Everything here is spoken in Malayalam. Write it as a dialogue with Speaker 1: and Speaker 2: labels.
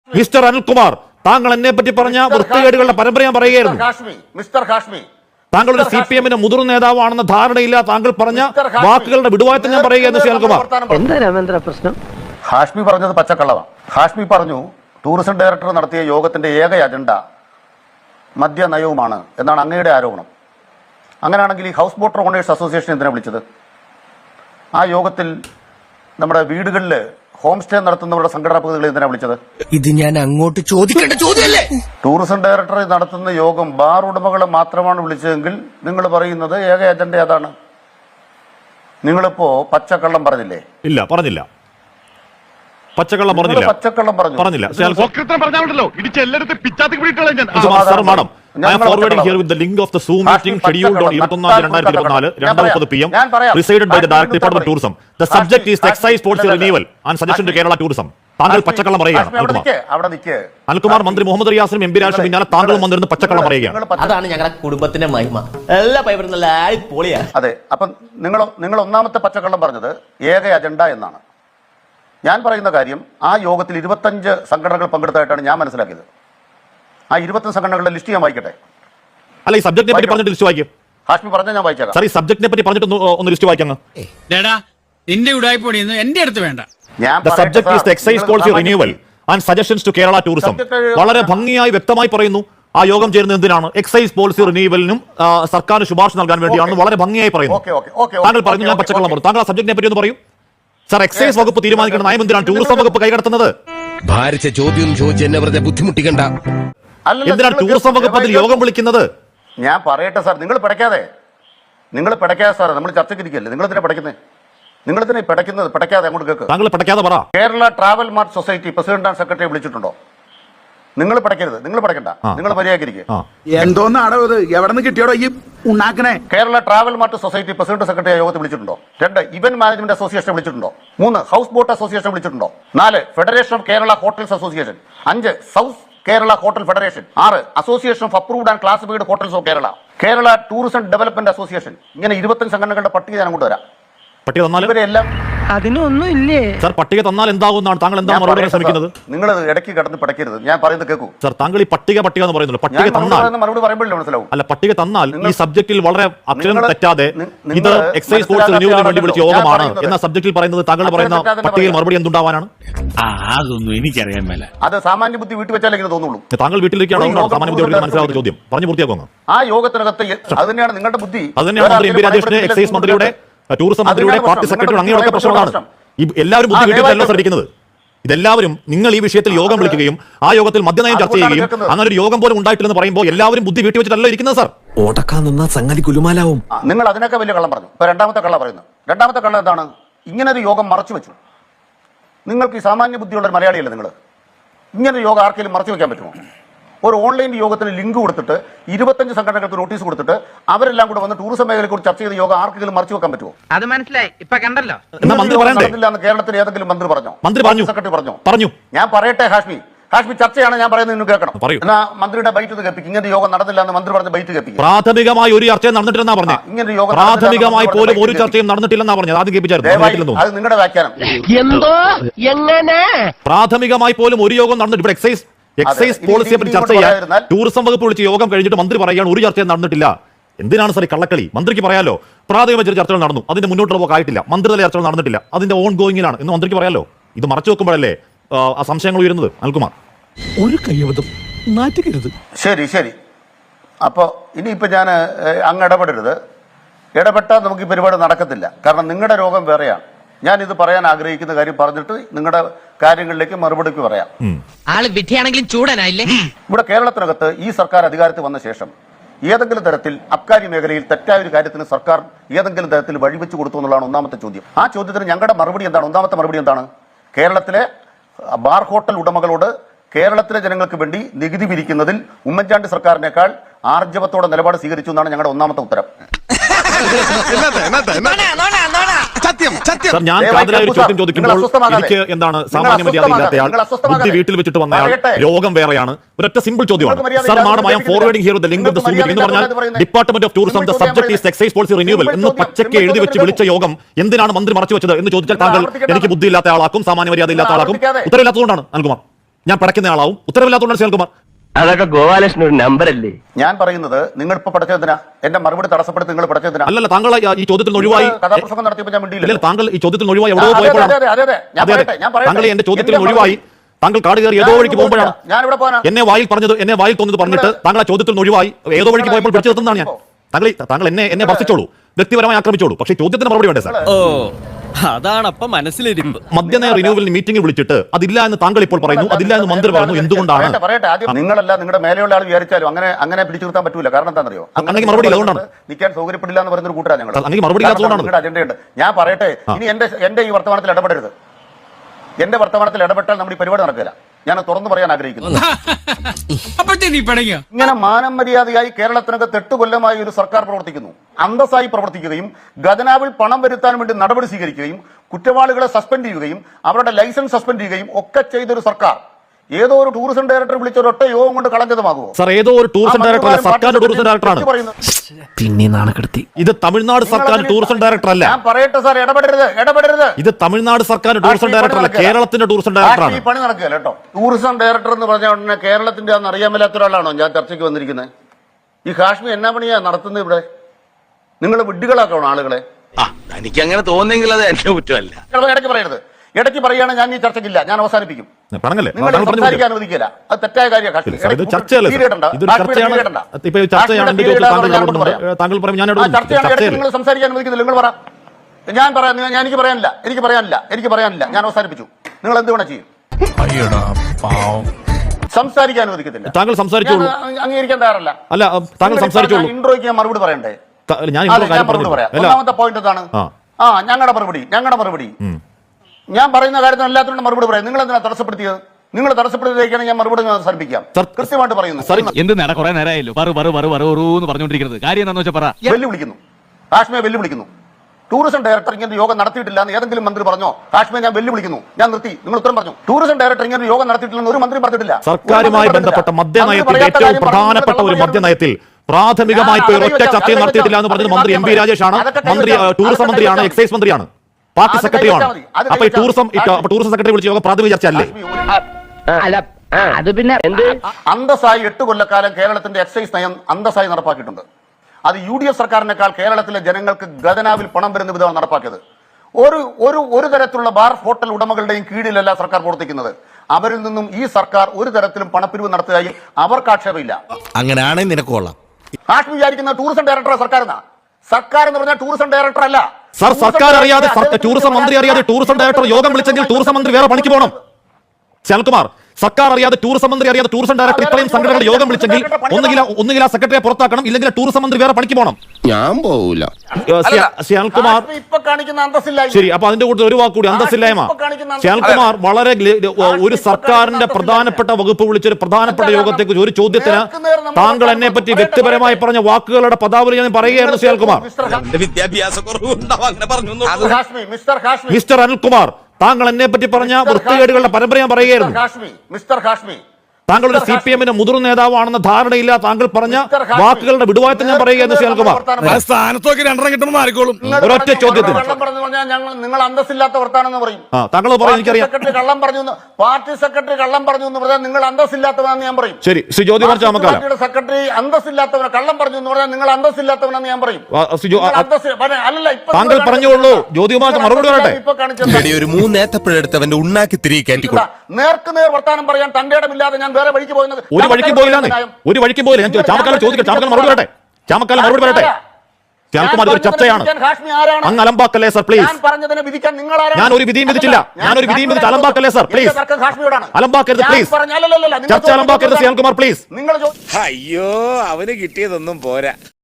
Speaker 1: മിസ്റ്റർ അനിൽകുമാർ, താങ്കൾ എന്നെ പറ്റി പറഞ്ഞ വൃത്തികേടുകളുടെ പരമ്പര ഞാൻ പറയുകയായിരുന്നു.
Speaker 2: മിസ്റ്റർ ഹാഷ്മി,
Speaker 1: താങ്കൾ ഒരു CPM മുതിർന്ന നേതാവാണെന്ന ധാരണയില്ല. താങ്കൾ പറഞ്ഞ വാക്കുകളുടെ വിടുവായത്തം ഞാൻ പറയുകയായിരുന്നു. ശ്രീ അനിൽകുമാർ,
Speaker 3: എന്താ രാമേന്ദ്ര പ്രശ്നം?
Speaker 2: ഹാഷ്മി പറഞ്ഞത് പച്ചക്കള്ളമാണ്. ഹാഷ്മി പറഞ്ഞു ടൂറിസം ഡയറക്ടർ നടത്തിയ യോഗത്തിന്റെ ഏക അജണ്ട മദ്യ നയവുമാണ് എന്നാണ് അങ്ങയുടെ ആരോപണം. അങ്ങനെയാണെങ്കിൽ ഈ ഹൗസ് ബോട്ട് ഓണേഴ്സ് അസോസിയേഷൻ എന്തിനാണ് വിളിച്ചത്? ആ യോഗത്തിൽ നമ്മുടെ വീടുകളിൽ ഹോം സ്റ്റേ നടത്തുന്നവരുടെ സംഘടനാ പ്രതിനിധികൾ എന്തിനാണ് വിളിച്ചത്?
Speaker 4: ഇത് ഞാൻ അങ്ങോട്ട് ചോദിക്കേണ്ട ചോദ്യമല്ലേ?
Speaker 2: ടൂറിസം ഡയറക്ടർ നടത്തുന്ന യോഗം ബാർ ഉടമകളെ മാത്രമാണ് വിളിച്ചതെങ്കിൽ നിങ്ങൾ പറയുന്നത് ഏക അജണ്ട ഏതാണ്? നിങ്ങളിപ്പോ പച്ചക്കള്ളം പറഞ്ഞില്ലേ?
Speaker 1: ഇല്ല, പറഞ്ഞില്ല. പച്ചക്കള്ളം പറഞ്ഞില്ല.
Speaker 2: പച്ചക്കള്ളം
Speaker 1: പറഞ്ഞില്ല. Madam, I am forwarding here with the link of the Zoom meeting scheduled on 21/2024, 2:30 PM, presided by the Director Department of Tourism. The subject is the excise policy renewal and suggestion to Kerala tourism. താങ്കൾ പച്ചക്കള്ളം പറയുകയാണ്. അനിൽകുമാർ, മന്ത്രി മുഹമ്മദ് റിയാസിനും MP രാജനും പിന്നാലെ താങ്കളും വന്നിരുന്ന് പച്ചക്കള്ളം പറയുകയാണ്.
Speaker 5: അതാണ് ഞങ്ങളുടെ കുടുംബത്തിന്റെ മഹിമ. എല്ലാ പൈപ്പറും നല്ല പൊളിയാ.
Speaker 2: അതെ, അപ്പം നിങ്ങൾ ഒന്നാമത്തെ പച്ചക്കള്ളം പറഞ്ഞത് ഏക അജണ്ട എന്നാണ്. ഞാൻ പറയുന്ന കാര്യം, ആ യോഗത്തിൽ 25 സംഘടനകൾ പങ്കെടുത്തായിട്ടാണ് ഞാൻ മനസ്സിലാക്കിയത്. ആ 25 സംഘടനകളുടെ ലിസ്റ്റ് ഞാൻ വായിക്കട്ടെ?
Speaker 1: അല്ല, ഈ സബ്ജക്റ്റിനെ പറ്റി പറഞ്ഞിട്ട് ലിസ്റ്റ് വായിക്കും.
Speaker 2: ഹാഷ്മി പറഞ്ഞാൽ ഞാൻ വായിച്ചേക്കാം.
Speaker 1: സാർ, ഈ സബ്ജക്റ്റിനെ പറ്റി പറഞ്ഞിട്ട് ഒന്ന് ലിസ്റ്റ് വായിക്കാം.
Speaker 6: നിന്റെ ഉടായ്പൊടിയൊന്നും എന്റെ അടുത്ത് വേണ്ട.
Speaker 1: The subject is the excise policy renewal and suggestions to Kerala tourism. വളരെ ഭംഗിയായി വ്യക്തമായി പറയുന്നു. ആ യോഗം ചേരുന്നത് എന്തിനാണ്? എക്സൈസ് പോളിസി റിന്യൂവലിനും സർക്കാരിന് ശുപാർശ നൽകാൻ വേണ്ടിയാണെന്ന് വളരെ ഭംഗിയായി പറയുന്നു. താങ്കൾ പറഞ്ഞു ഞാൻ പച്ചക്കള്ളം പറഞ്ഞു. താങ്കൾ ആ സബ്ജക്റ്റിനെ പറ്റി ഒന്ന് പറയൂ. സാർ, എക്സൈസ് വകുപ്പ് തീരുമാനിക്കുന്ന നയം എന്തിനാണ് ടൂറിസം വകുപ്പ് കൈകടത്തുന്നത്?
Speaker 4: ഭാരിച്ച ചോദ്യം ചോദിച്ച് എന്നെ വെറുതെ ബുദ്ധിമുട്ടിക്കണ്ട.
Speaker 1: എന്തിനാണ് ടൂറിസം വകുപ്പ് അതിൽ യോഗം വിളിക്കുന്നത്?
Speaker 2: ഞാൻ പറയട്ടെ സാർ, നിങ്ങൾ പിടയ്ക്കാതെ സാർ, നമ്മൾ ചർച്ചയ്ക്ക് ഇരിക്കല്ലേ. നിങ്ങൾ ഇതിനെ പിടയ്ക്കുന്നത്? നിങ്ങൾ ഇതിനെ പിടയ്ക്കാതെ അങ്ങോട്ട് കേൾക്ക്.
Speaker 1: താങ്കൾ പിടയ്ക്കാതെ പറ.
Speaker 2: Kerala travel mart society president and secretary വിളിച്ചിട്ടുണ്ടോ? നിങ്ങൾ പിടയ്ക്കരുത്, നിങ്ങൾ പിടയ്ക്കണ്ട, നിങ്ങൾ മര്യാദയ്ക്ക്.
Speaker 7: എന്തോന്നാടോ ഇത്? എവിടെ നിന്ന് കിട്ടിയോടോ ഈ ഉണ്ടാക്കണേ?
Speaker 2: Kerala travel mart society president secretary യോഗത്തിൽ വിളിച്ചിട്ടുണ്ടോ? 2 ഇവന്റ് മാനേജ്മെന്റ് അസോസിയേഷൻ വിളിച്ചിട്ടുണ്ടോ? 3 ഹൗസ് ബോട്ട് അസോസിയേഷൻ വിളിച്ചിട്ടുണ്ടോ? 4 federation of Kerala hotels association. 5 south Kerala hotel federation. 6 association of approved and classified hotels of Kerala. Kerala tourism development association. ഇങ്ങനെ 25 സംഘടനകളുടെ പട്ടിക ഞാൻ അങ്ങോട്ട് വരാം.
Speaker 1: പട്ടിക തന്നാൽ
Speaker 2: ഇവരെല്ലാം
Speaker 3: അതിനൊന്നും ഇല്ലേ
Speaker 1: സാർ? പട്ടിക തന്നാൽ എന്താകുന്നതാണ് താങ്കൾ എന്താണ് മറുപടി ശ്രമിക്കുന്നത്?
Speaker 2: നിങ്ങൾ ഇടയ്ക്ക് കടന്ന് പടക്കരുത്, ഞാൻ പറയുന്നത് കേൾക്കൂ.
Speaker 1: സാർ, താങ്കൾ ഈ പട്ടിക എന്ന് പറയുന്നത് പട്ടിക തന്നാൽ
Speaker 2: മറുപടി പറയുമ്പോഴേ മനസ്സിലാവും.
Speaker 1: അല്ല, പട്ടിക തന്നാൽ ഈ സബ്ജക്റ്റിൽ വളരെ അക്ഷരം തെറ്റാതെ ഇത് എക്സൈസ് പോളിസി റിന്യൂവലിന് വേണ്ടി വിളിച്ച യോഗമാണ് എന്ന സബ്ജക്റ്റിൽ പറയുന്നത് താങ്കൾ പറയുന്ന പട്ടികയിൽ മറുപടി എന്തുണ്ടാവാനാണ്?
Speaker 6: അതൊന്നും എനിക്കറിയാൻ മേല.
Speaker 2: അത് സാമാന്യ ബുദ്ധി വീട്ടിൽ വെച്ചാലേ ഇങ്ങനെ തോന്നുള്ളൂ.
Speaker 1: താങ്കൾ വീട്ടിലേക്കാണോ സാമാന്യ ബുദ്ധി മനസ്സിലാവുന്ന ചോദ്യം പറഞ്ഞു പൂർത്തിയാക്കുന്നു.
Speaker 2: ആ യോഗത്തിനകത്ത് അത് തന്നെയാണ് നിങ്ങളുടെ ബുദ്ധി.
Speaker 1: അത് തന്നെയാണ് മന്ത്രി MP രാജേഷിന്റെ എക്സൈസ് മന്ത്രിയുടെ ടൂറിസം മന്ത്രിയുടെ പാർട്ടി സെക്രട്ടറി അങ്ങനെയൊക്കെ പ്രശ്നങ്ങളാണ്. എല്ലാവരും ബുദ്ധി വീട്ടിലല്ല ശ്രമിക്കുന്നത്. ഇതെല്ലാവരും നിങ്ങൾ ഈ വിഷയത്തിൽ യോഗം വിളിക്കുകയും ആ യോഗത്തിൽ മദ്യനയം ചർച്ച ചെയ്യുകയും അങ്ങനെ ഒരു യോഗം പോലും ഉണ്ടായിട്ടില്ലെന്ന് പറയുമ്പോൾ എല്ലാവരും ബുദ്ധി വീട്ടിൽ വെച്ചിട്ടല്ല ഇരിക്കുന്നത് സാർ.
Speaker 4: ഓടക്കാൻ നിന്നാ സംഗതി കുലുമാലാവും.
Speaker 2: നിങ്ങൾ അതിനൊക്കെ വലിയ കള്ളം പറഞ്ഞു. ഇപ്പൊ രണ്ടാമത്തെ കള്ളം പറയുന്നത്. രണ്ടാമത്തെ കള്ളം എന്താണ്? ഇങ്ങനൊരു യോഗം മറച്ചു വെച്ചു. നിങ്ങൾക്ക് ഈ സാമാന്യ ബുദ്ധിയുള്ള ഒരു മലയാളിയല്ലേ നിങ്ങൾ? ഇങ്ങനൊരു യോഗം ആർക്കെങ്കിലും മറച്ചു വെക്കാൻ പറ്റുമോ? ഒരു ഓൺലൈൻ യോഗത്തിന് ലിങ്ക് കൊടുത്തിട്ട് 25 സംഘടനകൾക്ക് നോട്ടീസ് കൊടുത്തിട്ട് അവരെല്ലാം കൂടെ വന്ന് ടൂറിസം മേഖലയെ കുറിച്ച് ചർച്ച ചെയ്ത യോഗം ആർക്കെങ്കിലും മറച്ചു വെക്കാൻ പറ്റുമോ?
Speaker 3: അത് മനസ്സിലായി, ഇപ്പൊ കണ്ടല്ലോ.
Speaker 2: കേരളത്തിൽ ഏതെങ്കിലും മന്ത്രി പറഞ്ഞോ? സെക്രട്ടറി
Speaker 1: പറഞ്ഞു.
Speaker 2: ഞാൻ പറയട്ടെ ഹാഷ്മി ചർച്ചയാണ് ഞാൻ പറയുന്നത്, നിങ്ങൾ കേൾക്കണം. എന്നാ മന്ത്രിയുടെ ബൈറ്റ് കേൾപ്പിക്കും. ഇങ്ങനെ യോഗം നടന്നില്ല എന്ന് മന്ത്രി പറഞ്ഞ ബൈറ്റ് കേൾപ്പിക്കും.
Speaker 1: പ്രാഥമികമായി ഒരു ചർച്ചയും നടന്നിട്ടില്ലെന്നാ പറഞ്ഞത്.
Speaker 2: ഇങ്ങനെ യോഗം
Speaker 1: പ്രാഥമികമായി പോലും ഒരു ചർച്ചയും നടന്നിട്ടില്ലെന്നാ പറഞ്ഞത്. ആദ്യം കേൾപ്പിച്ചായിരുന്നു.
Speaker 2: അത് നിങ്ങളുടെ വ്യാഖ്യാനം.
Speaker 3: എന്തോ എങ്ങനെ
Speaker 1: പ്രാഥമികമായി പോലും ഒരു യോഗം നടന്നിട്ട് ഇവിടെ എക്സൈസ് പോളിസിയെ പറ്റി ചർച്ച ചെയ്യാൻ ടൂറിസം വകുപ്പ് വിളിച്ച് യോഗം കഴിഞ്ഞിട്ട് മന്ത്രി പറയുകയാണ് ഒരു ചർച്ചയും നടന്നിട്ടില്ല. എന്തിനാണ് സാർ ഈ കള്ളക്കളി? മന്ത്രിക്ക് പറയാലോ പ്രാഥമിക ചർച്ചകൾ നടന്നു, അതിന്റെ മുന്നോട്ടുള്ള പോക്കായിട്ടില്ല, മന്ത്രിതല ചർച്ചകൾ നടന്നിട്ടില്ല, അതിന്റെ ഓൺ ഗോയിങ്ങിലാണ് എന്ന് മന്ത്രിക്ക് പറയാലോ. ഇത് മറച്ചു വെക്കുമ്പോഴല്ലേ ആ സംശയങ്ങൾ ഉയരുന്നത്? അനിൽകുമാർ,
Speaker 4: ഒരു കൈവതം നാറ്റുകരുത്.
Speaker 2: ശരി. അപ്പൊ ഇനിയിപ്പോ ഞാൻ അങ്ങ് ഇടപെട്ടാൽ നമുക്ക് ഈ പരിപാടി നടക്കത്തില്ല. കാരണം നിങ്ങളുടെ രോഗം വേറെയാണ്. ഞാൻ ഇത് പറയാൻ ആഗ്രഹിക്കുന്ന കാര്യം പറഞ്ഞിട്ട് നിങ്ങളുടെ കാര്യങ്ങളിലേക്ക് മറുപടിക്ക് പറയാം.
Speaker 3: ആള് വിധിയാണെങ്കിലും ചൂടനായില്ലേ?
Speaker 2: ഇവിടെ കേരളത്തിനകത്ത് ഈ സർക്കാർ അധികാരത്തിൽ വന്ന ശേഷം ഏതെങ്കിലും തരത്തിൽ അബ്കാരി മേഖലയിൽ തെറ്റായ ഒരു കാര്യത്തിന് സർക്കാർ ഏതെങ്കിലും തരത്തിൽ വഴിവെച്ച് കൊടുത്തു എന്നുള്ളതാണ് ഒന്നാമത്തെ ചോദ്യം. ആ ചോദ്യത്തിന് ഞങ്ങളുടെ മറുപടി എന്താണ്? ഒന്നാമത്തെ മറുപടി എന്താണ്? കേരളത്തിലെ ബാർ ഹോട്ടൽ ഉടമകളോട് കേരളത്തിലെ ജനങ്ങൾക്ക് വേണ്ടി നികുതി പിരിക്കുന്നതിൽ ഉമ്മൻചാണ്ടി സർക്കാരിനേക്കാൾ ആർജവത്തോടെ നിലപാട് സ്വീകരിച്ചു എന്നാണ് ഞങ്ങളുടെ ഒന്നാമത്തെ ഉത്തരം.
Speaker 1: ഞാൻ കാതലായ ഒരു ചോദ്യം ചോദിക്കുമ്പോൾ എനിക്ക് എന്താണ് സാമാന്യ മര്യാദ ഇല്ലാത്തയാൾ, ബുദ്ധി വീട്ടിൽ വെച്ചിട്ട് വന്നയാൾ, രോഗം വേറെയാണ്. ഒരൊറ്റ സിമ്പിൾ ചോദ്യമാണ്. Sir, madam, I am forwarding here the link of the Zoom meeting എന്ന് പറഞ്ഞാൽ department of tourism the subject is excise policy renewal എന്ന് പച്ചയ്ക്ക് എഴുതി വെച്ച് വിളിച്ച യോഗം എന്തിനാണ് മന്ത്രി മറച്ചു വെച്ചത് എന്ന് ചോദിച്ചാൽ താങ്കൾ എനിക്ക് ബുദ്ധി ഇല്ലാത്ത ആളാക്കും, സാമാന്യ മര്യാദ ഇല്ലാത്ത ആളാക്കും. ഉത്തരവില്ലാത്തതുകൊണ്ടാണ്. അനിൽകുമാർ, ഞാൻ പടയ്ക്കുന്ന ആളാവും. ഉത്തരവില്ലാത്തതുകൊണ്ടാണ് ശ്രീകുമാർ.
Speaker 5: അതൊക്കെ ഗോപാലകൃഷ്ണൻ ഒരു നമ്പർ അല്ലേ?
Speaker 2: ഞാൻ പറയുന്നത് നിങ്ങൾ ഇപ്പൊ പഠിച്ചതിനാ എന്റെ മറുപടി തടസ്സപ്പെടുത്തി നിങ്ങൾ പഠിച്ചതിനാ.
Speaker 1: അല്ലല്ല, താങ്കൾ ഈ ചോദ്യത്തിൽ നിന്ന് ഒഴിവായി.
Speaker 2: കഥാപ്രസംഗം നടത്തിയപ്പോൾ ഞാൻ മിണ്ടിയില്ല.
Speaker 1: ഇല്ല, താങ്കൾ ഈ ചോദ്യത്തിൽ നിന്ന് ഒഴിവായി എവിടെയോ പോയപ്പോഴാണ്. താങ്കൾ എന്റെ ചോദ്യത്തിൽ നിന്ന് ഒഴിവായി. താങ്കൾ കാട് കയറി ഏതോ വഴിക്ക് പോകുമ്പോഴാണ് എന്നെ വായിൽ തോന്നുന്നത് പറഞ്ഞിട്ട് താങ്കൾ ആ ചോദ്യത്തിൽ നിന്ന് ഒഴിവായി ഏതോ വഴിക്ക് പോയപ്പോൾ പിടിച്ചു നിർത്തുന്നതാണ് ഞാൻ. താങ്കൾ എന്നെ ഭർത്തിച്ചോളൂ, വ്യക്തിപരമായി ആക്രമിച്ചോളൂ, പക്ഷേ ചോദ്യത്തിന് മറുപടി വേണ്ടേ സാർ?
Speaker 4: അതാണപ്പ മനസ്സിലിരിപ്പ്.
Speaker 1: മദ്യനയ റിന്യൂവലിന് മീറ്റിംഗ് വിളിച്ചിട്ട് അതില്ല എന്ന് താങ്കൾ ഇപ്പോൾ പറയുന്നു, അതില്ല എന്ന് മന്ത്രി പറയുന്നു. എന്തുകൊണ്ടാണ്?
Speaker 2: പറയട്ടെ, ആദ്യം നിങ്ങളല്ല നിങ്ങളുടെ മേലെയുള്ള ആൾ വിചാരിച്ചാലും അങ്ങനെ പിടിച്ചു നിർത്താൻ പറ്റൂല. കാരണം എന്താണെന്നറിയോ?
Speaker 1: അങ്ങനെ മറുപടി അതുകൊണ്ടാണ്
Speaker 2: നിൽക്കാൻ സൗകര്യപ്പെടില്ല എന്ന് പറയുന്ന ഒരു കൂട്ടരാണ് ഞങ്ങൾ.
Speaker 1: അങ്ങനെ മറുപടി ഇല്ലാത്തതുകൊണ്ടാണ്
Speaker 2: നിങ്ങളുടെ അജണ്ടയുണ്ട്. ഞാൻ പറയട്ടെ, ഇനി എന്റെ ഈ വർത്തമാനത്തിൽ ഇടപെടരുത്. എന്റെ വർത്തമാനത്തിൽ ഇടപെട്ടാൽ നമ്മുടെ ഈ പരിപാടി നടക്കില്ല. ഞാൻ തുറന്നു പറയാൻ ആഗ്രഹിക്കുന്നു. ഇങ്ങനെ മാനം മര്യാദയായി കേരളത്തിനകത്ത് 8 കൊല്ലമായി ഒരു സർക്കാർ പ്രവർത്തിക്കുന്നു, അന്തസ്സായി പ്രവർത്തിക്കുകയും ഖജനാവിൽ പണം വരുത്താൻ വേണ്ടി നടപടി സ്വീകരിക്കുകയും കുറ്റവാളികളെ സസ്പെൻഡ് ചെയ്യുകയും അവരുടെ ലൈസൻസ് സസ്പെൻഡ് ചെയ്യുകയും ഒക്കെ ചെയ്തൊരു സർക്കാർ ഏതോ ഒരു ടൂറിസം ഡയറക്ടർ വിളിച്ച ഒരൊറ്റ യോഗം കൊണ്ട് കളഞ്ഞതുമാകുമോ?
Speaker 1: സാർ, ഏതോ ഒരു ടൂറിസം ഡയറക്ടർ അല്ല, സർക്കാരിന്റെ ടൂറിസം ഡയറക്ടറാണ്.
Speaker 4: പിന്നെ നാണക്കെടുത്തി.
Speaker 1: ഇത് തമിഴ്നാട് സർക്കാർ ടൂറിസം ഡയറക്ടർ അല്ല.
Speaker 2: ഞാൻ പറയട്ടെ സാർ, ഇടപെടരുത്.
Speaker 1: ഇത് തമിഴ്നാട് സർക്കാർ ടൂറിസം ഡയറക്ടർ അല്ല, കേരളത്തിന്റെ ടൂറിസം ഡയറക്ടറാണ്.
Speaker 2: ഈ പണി നടക്കുക കേട്ടോ. ടൂറിസം ഡയറക്ടർ എന്ന് പറഞ്ഞ ഉടനെ കേരളത്തിന്റെ അന്ന് അറിയാൻ മേലാത്ത ഒരാളാണോ ഞാൻ ചർച്ചയ്ക്ക് വന്നിരിക്കുന്നത്? ഈ കാശ്മീർ എന്നാ പണിയാ നടത്തുന്നത് ഇവിടെ? നിങ്ങൾ വിഡ്ഢികളാക്കണം ആളുകളെ.
Speaker 4: എനിക്ക് അങ്ങനെ തോന്നുന്നെങ്കിൽ അത് എന്റെ കുറ്റമല്ല.
Speaker 2: ഇടയ്ക്ക് പറയരുത്. ഇടയ്ക്ക് പറയുകയാണ് ഞാൻ ഈ ചർച്ചയ്ക്കില്ല, ഞാൻ അവസാനിപ്പിക്കും.
Speaker 1: പറഞ്ഞല്ലേ,
Speaker 2: നിങ്ങൾ സംസാരിക്കാൻ അനുവദിക്കില്ല. അത് തെറ്റായ കാര്യമാണ്.
Speaker 1: ഇത് ചർച്ചയല്ല, ഇതൊരു ചർച്ചയാണ്. ഇപ്പൊ ചർച്ചയാണ്.
Speaker 2: നിങ്ങൾ സംസാരിക്കാൻ അനുവദിക്കുന്നില്ല. നിങ്ങൾ പറ. എനിക്ക് പറയാനില്ല. ഞാൻ അവസാനിപ്പിച്ചു. നിങ്ങൾ എന്ത് വേണം ചെയ്യും? സംസാരിക്കാൻ അനുവദിക്കത്തില്ല.
Speaker 1: താങ്കൾ സംസാരിച്ചോളൂ.
Speaker 2: അംഗീകരിക്കാൻ തയ്യാറല്ല.
Speaker 1: അല്ല, താങ്കൾ സംസാരിച്ചോളൂ.
Speaker 2: ഇൻട്രോയ്ക്ക് ഞാൻ മറുപടി പറയണ്ടേ?
Speaker 1: ഞാൻ
Speaker 2: മറുപടി പറയാം. ഒന്നാമത്തെ പോയിന്റ് എന്താണ്? ഞങ്ങളുടെ മറുപടി ഞാൻ പറയുന്ന കാര്യത്തിന് എല്ലാത്തിനും മറുപടി പറയാം. നിങ്ങൾ എന്തിനാ തടസ്സപ്പെടുത്തിയത്? നിങ്ങൾ തടസ്സപ്പെടുത്തിയേക്കാണ് ഞാൻ മറുപടി അവസാനിപ്പിക്കാം. കൃത്യമായിട്ട് പറയുന്നു.
Speaker 6: എന്ത് നേടാ കുറെ നേരമായല്ലോ പറഞ്ഞോണ്ടിരിക്കുന്നത്. കാര്യം എന്താണെന്ന് വെച്ചാൽ പറ.
Speaker 2: വെല്ലുവിളിക്കുന്നു. കാശ്മീർ വെല്ലുവിളിക്കുന്നു. ടൂറിസം ഡയറക്ടർ ഇങ്ങനെ യോഗം നടത്തിയിട്ടില്ല എന്ന് ഏതെങ്കിലും മന്ത്രി പറഞ്ഞോ? കാശ്മീർ ഞാൻ വെല്ലുവിളിക്കുന്നു, ഞാൻ നിർത്തി. നിങ്ങൾ ഉത്തരം പറഞ്ഞു. ടൂറിസം ഡയറക്ടർ ഇങ്ങനെ യോഗം നടത്തിയിട്ടില്ലെന്ന് ഒരു മന്ത്രി പറഞ്ഞിട്ടില്ല.
Speaker 1: സർക്കാരുമായി ബന്ധപ്പെട്ട മദ്യനയത്തിൽ ഏറ്റവും പ്രധാനപ്പെട്ട ഒരു മദ്യനയത്തിൽ പ്രാഥമികമായി പോയി ഒറ്റ ചർച്ചയും നടത്തിയിട്ടില്ല എന്ന് പറഞ്ഞത് മന്ത്രി MP രാജേഷാണ്. മന്ത്രി ടൂറിസം മന്ത്രിയാണ്, എക്സൈസ് മന്ത്രിയാണ്, പാർട്ടി സെക്രട്ടറിയാണ്. അപ്പൊ ഈ ടൂറിസം സെക്രട്ടറി വിളിച്ച യോഗം പ്രാഥമിക ചർച്ച അല്ലേ?
Speaker 3: അത് പിന്നെ
Speaker 2: അന്തസ്സായി 8 കൊല്ലക്കാലം കേരളത്തിന്റെ എക്സൈസ് നയം അന്തസ്സായി നടപ്പാക്കിയിട്ടുണ്ട്. അത് UDF സർക്കാരിനേക്കാൾ കേരളത്തിലെ ജനങ്ങൾക്ക് ഖജനാവിൽ പണം വരുന്ന വിധമാണ് നടപ്പാക്കിയത്. ഒരു തരത്തിലുള്ള ബാർ ഹോട്ടൽ ഉടമകളുടെയും കീഴിലല്ല സർക്കാർ പ്രവർത്തിക്കുന്നത്. അവരിൽ നിന്നും ഈ സർക്കാർ ഒരു തരത്തിലും പണപ്പിരിവ് നടത്തിയതായി അവർക്ക് ആക്ഷേപമില്ല.
Speaker 4: അങ്ങനെയാണെങ്കിൽ നിനക്ക് കൊള്ളാം.
Speaker 2: കാശ്മീർ വിചാരിക്കുന്ന ടൂറിസം ഡയറക്ടർ സർക്കാർ എന്ന് പറഞ്ഞാൽ ടൂറിസം ഡയറക്ടർ അല്ല.
Speaker 1: സർ, സർക്കാർ അറിയാതെ, ടൂറിസം മന്ത്രി അറിയാതെ ടൂറിസം ഡയറക്ടർ യോഗം വിളിച്ചെങ്കിൽ ടൂറിസം മന്ത്രി വേറെ പണിക്ക് പോകണം. ശരത്കുമാർ, സർക്കാർ അറിയാതെ, ടൂറിസം മന്ത്രി അറിയാതെ ടൂറിസം ഡയറക്ടർ ഇത്രയും സംഘടനകളുടെ യോഗം വിളിച്ചെങ്കിൽ ഒന്നുകിൽ ആ സെക്രട്ടറിയെ പുറത്താക്കണം, ഇല്ലെങ്കിൽ ടൂറിസം മന്ത്രി വേറെ പണിക്ക് പോകണം.
Speaker 4: ഞാൻ പോവില്ല.
Speaker 1: ശ്യാൽകുമാർ, ശരി, അപ്പൊ അതിന്റെ കൂടെ ഒരു വാക്കുകൂടി, അന്തസ്സില്ലായ്മ. ശ്യാൽകുമാർ വളരെ ഒരു സർക്കാരിന്റെ പ്രധാനപ്പെട്ട വകുപ്പ് വിളിച്ചൊരു പ്രധാനപ്പെട്ട യോഗത്തെക്കുറിച്ച് ഒരു ചോദ്യത്തിന് താങ്കൾ എന്നെ പറ്റി വ്യക്തിപരമായി പറഞ്ഞ വാക്കുകളുടെ പദാവലി ഞാൻ പറയുകയായിരുന്നു. ശ്യാൽകുമാർ, മിസ്റ്റർ അനിൽകുമാർ, താങ്കൾ എന്നെ പറ്റി പറഞ്ഞ വൃത്തികേടുകളുടെ പരമ്പര ഞാൻ പറയുകയായിരുന്നു. താങ്കൾ ഒരു CPM മുതിർന്ന നേതാവാണെന്ന ധാരണയില്ല. താങ്കൾ പറഞ്ഞ വാക്കുകളുടെ വിടുവായത്തം ഞാൻ പറയുകയായിരുന്നു. ശ്യാൽകുമാർ,
Speaker 4: സ്ഥാനത്തൊക്കെ 2 കിട്ടുമ്പോൾ മാറിക്കോളും.
Speaker 1: ഒരൊറ്റ ചോദ്യത്തിന്
Speaker 2: നിങ്ങൾ അന്തസ്സില്ലാത്ത വർത്താനെന്ന് പറയും.
Speaker 1: താങ്കൾ പറയും, എനിക്കറിയാം.
Speaker 2: കള്ളം പറഞ്ഞു, പാർട്ടി സെക്രട്ടറി കള്ളം പറഞ്ഞു എന്ന് പറഞ്ഞാൽ നിങ്ങൾ അന്തസ്സില്ലാത്തവനാന്ന് ഞാൻ പറയും.
Speaker 1: ശരി, ശ്രീ ജ്യോതികുമാർ ചാമക്കാല,
Speaker 2: സെക്രട്ടറി അന്തസ്സില്ലാത്തവനെ കള്ളം പറഞ്ഞു എന്ന് പറഞ്ഞാൽ നിങ്ങൾ അന്തസ്സില്ലാത്തവനാന്ന് ഞാൻ പറയും.
Speaker 1: താങ്കൾ പറഞ്ഞോളൂ. ജ്യോതികുമാർ മറുപടി പറയട്ടെ.
Speaker 4: ഒരു 3 ഏത്തപ്പഴെടുത്തവന്റെ ഉണ്ണാക്കി തിരികെ കയറ്റിക്കൊള്ളു.
Speaker 2: നേർക്കുനേർ വർത്താനം പറയാൻ തന്റെ ഇടമില്ലാതെ ഞാൻ വേറെ വഴിക്ക് പോയത്.
Speaker 1: ഒരു വഴിക്ക് പോയില്ലാന്ന്, ഒരു വഴിക്ക് പോയില്ല. ഞാൻ ചാമക്കാലം ചോദിക്കാം. ചാമക്കാലം മറുപടി പറയട്ടെ. ചാമക്കാലം മറുപടി പറയട്ടെ. ശ്യാൽകുമാർ, ഒരു ചർച്ചയാണ്. അങ്ങ് അലമ്പാക്കല്ലേ സർ, പ്ലീസ്. ഞാൻ ഒരു വിധിയും വിധിച്ചില്ല. അലമ്പാക്കല്ലേ സർ, പ്ലീസ്. അലമ്പാക്കരുത്, പ്ലീസ്. ചർച്ച അലമ്പാക്കരുത് ശ്യാൽകുമാർ, പ്ലീസ്.
Speaker 8: അയ്യോ, അവന് കിട്ടിയതൊന്നും പോരാ.